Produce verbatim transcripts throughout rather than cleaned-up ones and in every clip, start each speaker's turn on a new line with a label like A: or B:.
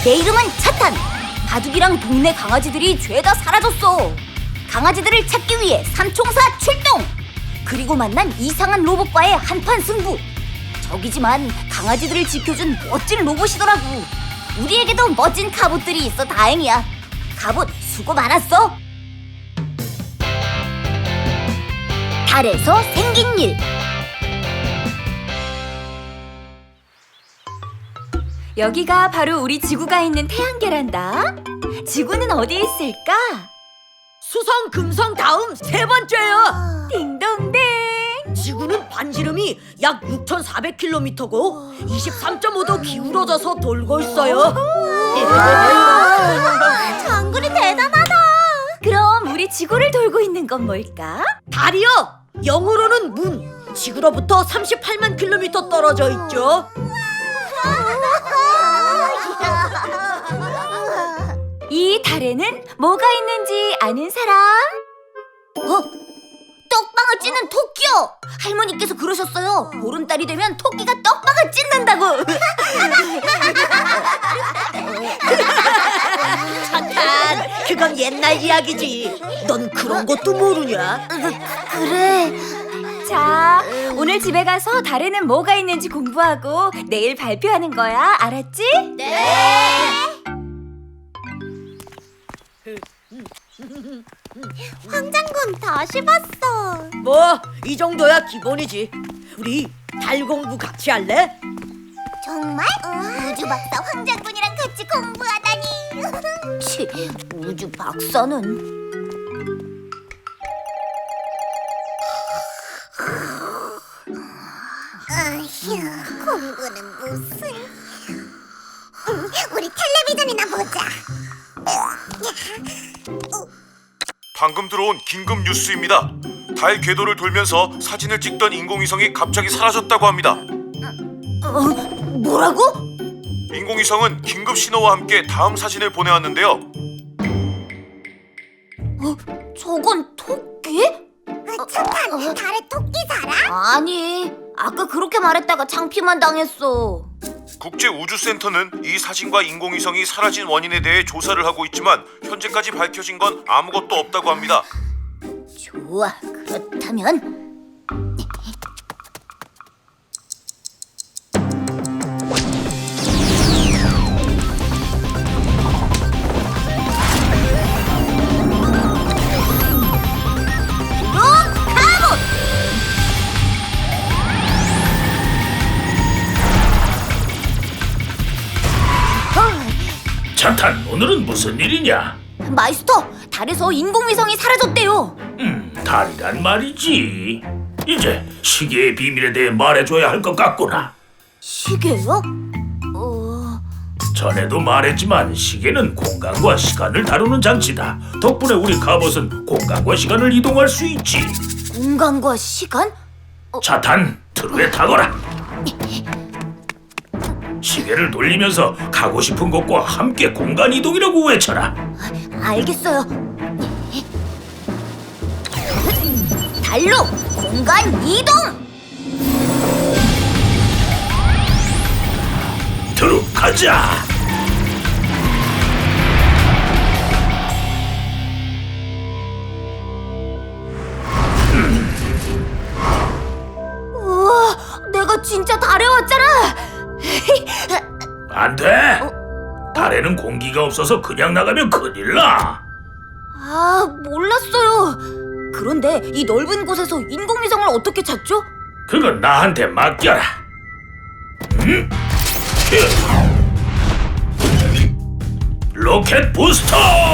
A: 내 이름은 차탄. 바둑이랑 동네 강아지들이 죄다 사라졌어. 강아지들을 찾기 위해 삼총사 출동. 그리고 만난 이상한 로봇과의 한판 승부. 적이지만 강아지들을 지켜준 멋진 로봇이더라고. 우리에게도 멋진 갑옷들이 있어 다행이야. 갑옷 수고 많았어. 달에서 생긴 일.
B: 여기가 바로 우리 지구가 있는 태양계란다. 지구는 어디에 있을까?
C: 수성, 금성 다음 세 번째야.
B: 딩동댕.
C: 지구는 반지름이 약 육천사백 킬로미터고 이십삼 점 오 도 기울어져서 돌고 있어요.
A: 장군이 대단하다.
B: 그럼 우리 지구를 돌고 있는 건 뭘까?
C: 달이요. 영어로는 문. 지구로부터 삼십팔만 킬로미터 떨어져 있죠.
B: 이 달에는 뭐가 있는지 아는 사람?
A: 어? 떡방을 찌는 토끼요. 할머니께서 그러셨어요. 보름달이 되면 토끼가 떡방을 찢는다고.
C: 차탄, 그건 옛날 이야기지. 넌 그런 것도 모르냐?
A: 그래.
B: 자, 오늘 집에 가서 달에는 뭐가 있는지 공부하고 내일 발표하는 거야. 알았지?
A: 네. 황장군 다시 봤어.
C: 뭐, 이 정도야 기본이지. 우리 달 공부 같이 할래?
A: 정말? 우주 박사 황장군이랑 같이 공부하다니. 치, 우주 박사는. 아휴, 공부는 무슨. 음, 우리 텔레비전이나 보자.
D: 방금 들어온 긴급 뉴스입니다. 달 궤도를 돌면서 사진을 찍던 인공위성이 갑자기 사라졌다고 합니다.
A: 어, 뭐라고?
D: 인공위성은 긴급 신호와 함께 다음 사진을 보내왔는데요.
A: 어, 저건 토끼? 차탄, 달에 토끼 살아? 아니, 아까 그렇게 말했다가 창피만 당했어.
D: 국제우주센터는 이 사진과 인공위성이 사라진 원인에 대해 조사를 하고 있지만 현재까지 밝혀진 건 아무것도 없다고 합니다.
A: 좋아, 그렇다면
E: 차탄, 오늘은 무슨 일이냐?
A: 마이스터, 달에서 인공위성이 사라졌대요.
E: 음, 달이란 말이지. 이제 시계의 비밀에 대해 말해줘야 할 것 같구나.
A: 시계요? 어...
E: 전에도 말했지만 시계는 공간과 시간을 다루는 장치다. 덕분에 우리 갑옷은 공간과 시간을 이동할 수 있지.
A: 공간과 시간?
E: 차탄, 트루에 타거라. 시계를 돌리면서 가고 싶은 곳과 함께 공간 이동이라고 외쳐라.
A: 알겠어요. 달로 공간 이동!
E: 트루, 가자.
A: 우와, 내가 진짜 달에 왔잖아.
E: 안 돼. 달에는 공기가 없어서 그냥 나가면 큰일 나.
A: 아, 몰랐어요. 그런데 이 넓은 곳에서 인공위성을 어떻게 찾죠?
E: 그건 나한테 맡겨라. 음? 로켓 부스터!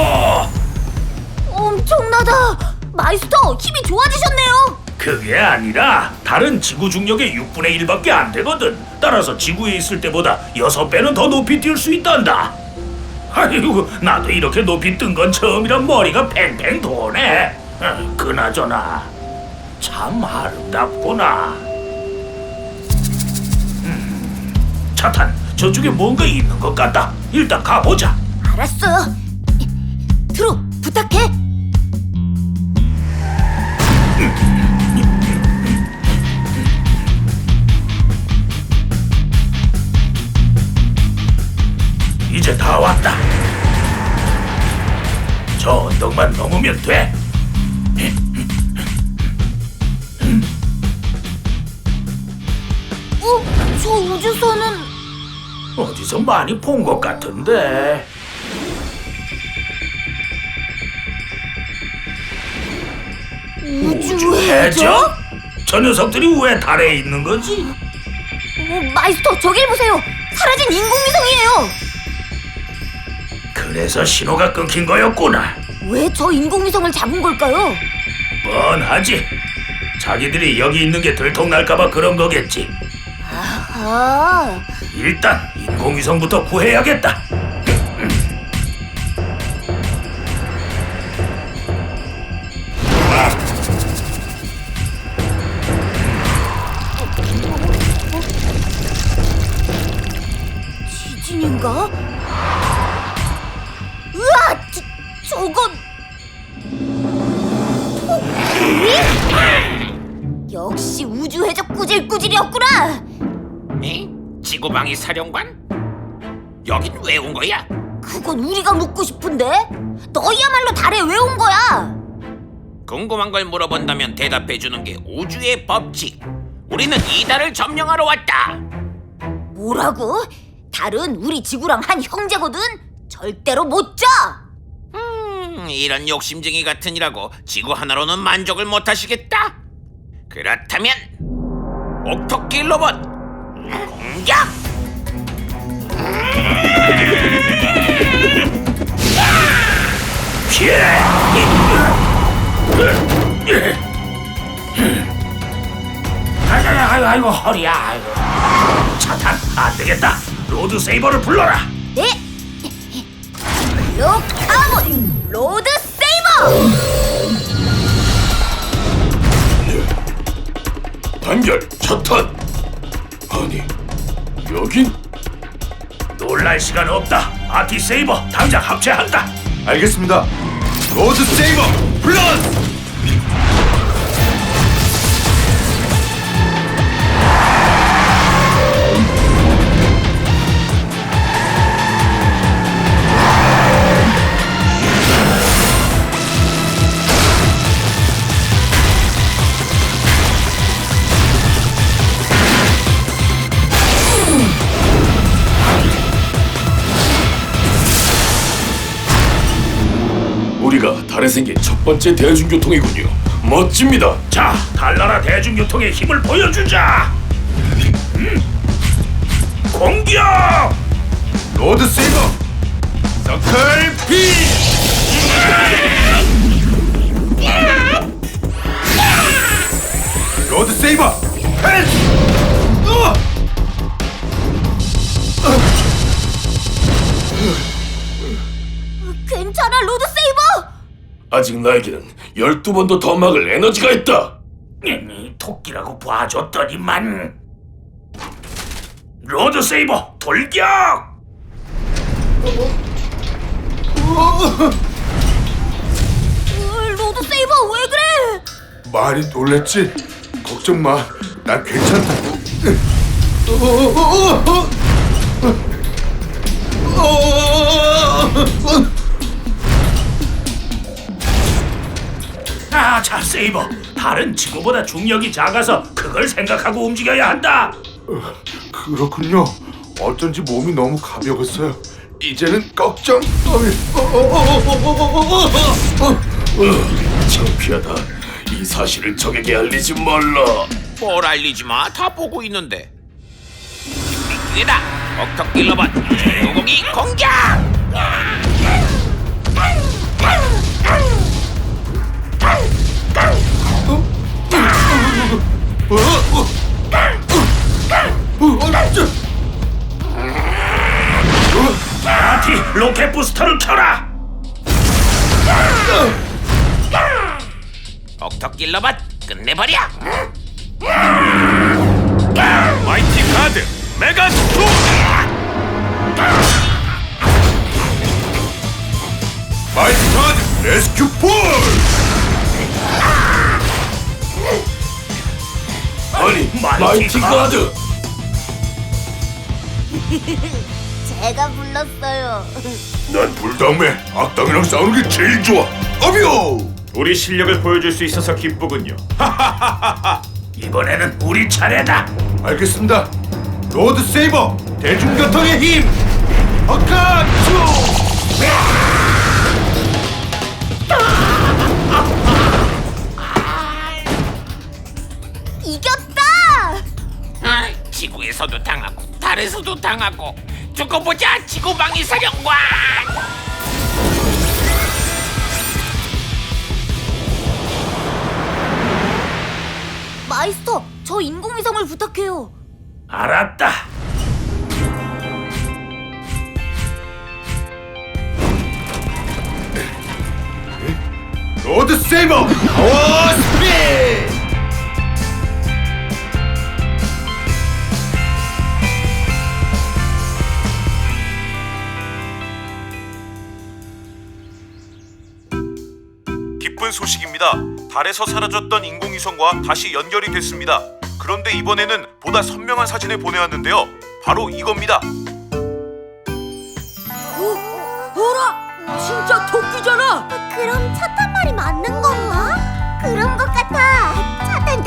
A: 엄청나다. 마이스터, 힘이 좋아지셨네요.
E: 그게 아니라 달은 지구 중력의 육분의 일밖에 안 되거든. 따라서 지구에 있을 때보다 여섯 배는 더 높이 뛸 수 있단다. 아이고, 나도 이렇게 높이 뜬 건 처음이라 머리가 팽팽 도네. 어, 그나저나 참 아름답구나. 음, 차탄, 저쪽에 뭔가 있는 것 같다. 일단 가보자.
A: 알았어요. 트루, 부탁해.
E: 이제 다 왔다. 저 언덕만 넘으면 돼.
A: 어? 저 우주선은
E: 어디서 많이 본 것 같은데.
A: 우주해적?
E: 저 녀석들이 왜 달에 있는 거지?
A: 어, 마이스터 저길 보세요. 사라진 인공위성이에요.
E: 그래서 신호가 끊긴 거였구나.
A: 왜 저 인공위성을 잡은 걸까요?
E: 뻔하지. 자기들이 여기 있는 게 들통날까봐 그런 거겠지.
A: 아,
E: 일단 인공위성부터 구해야겠다.
A: 지진인가? 으아! 저, 저건 토끼? 역시 우주해적 꾸질꾸질이었구나.
F: 에? 지구방위 사령관? 여긴 왜 온 거야?
A: 그건 우리가 묻고 싶은데. 너희야말로 달에 왜 온 거야?
F: 궁금한 걸 물어본다면 대답해 주는 게 우주의 법칙. 우리는 이 달을 점령하러 왔다.
A: 뭐라고? 달은 우리 지구랑 한 형제거든. 절대로 못 져.
F: 음, 이런 욕심쟁이 같으니라고 지구 하나로는 만족을 못 하시겠다. 그렇다면 옥토끼 로봇 공격!
E: 피해! 아이고, 아이고 허리야. 아이고. 차탄 안 되겠다. 로드 세이버를 불러라.
A: 네. 로카본 로드 세이버.
E: 단결 차탄. 아니 여긴 놀랄 시간 없다. 아티 세이버 당장 합체한다.
D: 알겠습니다. 로드 세이버 플러스.
G: 우리가 달에 생긴 첫 번째 대중교통이군요. 멋집니다.
E: 자, 달나라 대중교통의 힘을 보여주자. 음. 공격!
D: 로드 세이버 서클 피. 로드 세이버 펜스. 으아!
A: 괜찮아 로드 세이버.
G: 아직 나에게는 열두 번도 더 막을 에너지가 있다.
E: 음, 토끼라고 봐줬더니만. 로드 세이버 돌격!
A: 으, 로드 세이버 왜 그래?
D: 많이 놀랬지? 걱정 마. 난 괜찮다고.
E: 아, 자, 세이버. 달은 지구보다 중력이 작아서 그걸 생각하고 움직여야 한다.
D: 그렇군요. 어쩐지 몸이 너무 가벼웠어요. 이제는 걱정.
G: 창피하다. 이 사실을 적에게 알리지 말라.
F: 뭘 알리지 마. 다 보고 있는데. 기회다. 옥토끼 로봇 구공이 공격!
E: 아티 로켓 부스터를 켜라.
F: 옥토끼 로봇 끝내버려!
D: 마이티 가드 메가 스트로. 마이티 가드 레스큐 폴.
G: 아니,
E: 마이티
G: 마이티 가드.
A: 제가 불렀어요.
G: 난 불당매 악당이랑 싸우는 게 제일 좋아. 어비오.
E: 우리 실력을 보여줄 수 있어서 기쁘군요. 이번에는 우리 차례다.
G: 알겠습니다. 로드 세이버 대중교통의 힘. 어카츄.
A: 이겼다!
F: 아, 지구에서도 당하고 달에서도 당하고 두고 보자 지구방위 사령관.
A: 마이스터, 저 인공위성을 부탁해요.
E: 알았다.
G: 로드 세이버 파워 스피드.
D: 기쁜 소식입니다. 달에서 사라졌던 인공위성과 다시 연결이 됐습니다. 그런데 이번에는 보다 선명한 사진을 보내왔는데요. 바로 이겁니다.
C: 어라, 진짜 토끼잖아.
A: 그럼 차 탄 말이 맞는 건가? 그런 것 같아. 차 탄